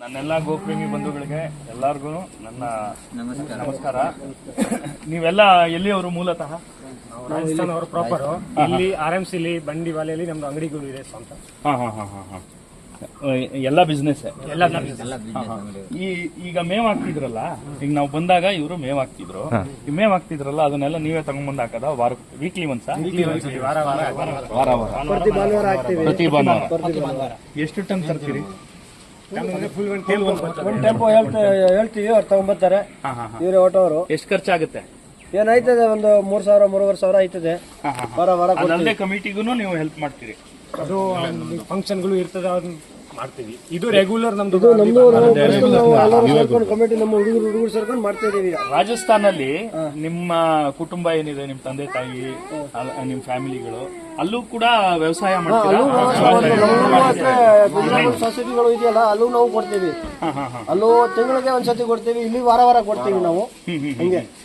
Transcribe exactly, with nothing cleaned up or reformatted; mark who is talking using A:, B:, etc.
A: ನನ್ನೆಲ್ಲ ಗೋಪ್ರೇಮಿ ಬಂಧುಗಳಿಗೆ ಎಲ್ಲಾರ್ಗು ನನ್ನ ನಮಸ್ಕಾರ. ನೀವೆಲ್ಲ ಎಲ್ಲಿಯವರು ಮೂಲತಃ?
B: ರಾಜಸ್ಥಾನ ಅವರು ಪ್ರಾಪರ್. ಇಲ್ಲಿ ಆರ್ ಎಂ ಸಿಲಿ ಬಂಡಿವಾಲೆಯಲ್ಲಿ ನಮ್ದು ಅಂಗಡಿಗಳು ಇದೆ ಸ್ವಂತ.
A: ಹಾ ಹಾ ಹಾ ಹಾ ಹಾ ಎಲ್ಲ ಬಿಸ್ನೆಸ್
B: ಎಲ್ಲ
A: ಈ ಈಗ ಮೇವ್ ಹಾಕ್ತಿದ್ರಲ್ಲ, ಈಗ ನಾವು ಬಂದಾಗ ಇವರು ಮೇವ್ ಹಾಕ್ತಿದ್ರು, ಈ ಮೇವ್ ಹಾಕ್ತಿದ್ರಲ್ಲ ಅದನ್ನೆಲ್ಲ ನೀವೇ ತಗೊಂಡ್ಬಂದ್ ಹಾಕದ? ವಾರ ವೀಕ್ಲಿ ಒನ್ಸ್?
B: ವಾರ ವಾರ
A: ವಾರ ವಾರ
C: ಪ್ರತಿ ಭಾನುವಾರ ಹಾಕ್ತೀವಿ.
A: ಪ್ರತಿ ಭಾನುವಾರ ಎಷ್ಟು ಟನ್ ತರ್ತೀರಿ?
C: ಒಂದ್ ಟೆಂಪೋ ಹೇಳ್ತೀವಿ, ಅವ್ರು ತಗೊಂಡ್ಬರ್ತಾರೆ. ಇವರೇ ಆಟೋವರು.
A: ಎಷ್ಟು ಖರ್ಚಾಗುತ್ತೆ?
C: ಏನಾಯ್ತದೆ, ಒಂದು ಮೂರ್ ಸಾವಿರ ಮೂರುವರೆ ಸಾವಿರ ಆಯ್ತದೆ ವಾರ ವಾರ.
A: ಅದಲ್ಲದೆ ಕಮಿಟಿಗೂ ನೀವು ಹೆಲ್ಪ್ ಮಾಡ್ತೀರಿ?
B: ಅದು ಫಂಕ್ಷನ್ಗಳು ಇರ್ತದೆ, ಅದನ್ನ ಮಾಡ್ತೀವಿ. ಇದು ರೆಗ್ಯುಲರ್ ನಮ್ದು
C: ನಮ್ದು ಸೇರ್ಕೊಂಡು ಕಮಿಟಿ, ನಮ್ಮ ಹುಡುಗರು ಹುಡುಗರು ಸೇರ್ಕೊಂಡು ಮಾಡ್ತಾ ಇದೀವಿ.
A: ರಾಜಸ್ಥಾನಲ್ಲಿ ನಿಮ್ಮ ಕುಟುಂಬ ಏನಿದೆ, ನಿಮ್ ತಂದೆ ತಾಯಿ, ನಿಮ್ ಫ್ಯಾಮಿಲಿಗಳು ಅಲ್ಲೂ ಕೂಡ ವ್ಯವಸಾಯ ಮಾಡ್ತೀರಾ?
C: ಸೊಸೈಟಿಗಳು ಇದೆಯಲ್ಲ, ಅಲ್ಲೂ ನಾವು ಕೊಡ್ತೀವಿ. ಅಲ್ಲೂ ತಿಂಗಳಿಗೆ ಒಂದ್ಸತಿ ಕೊಡ್ತೀವಿ, ಇಲ್ಲಿ ವಾರ ವಾರ ಕೊಡ್ತೀವಿ ನಾವು. ಹಿಂಗೆ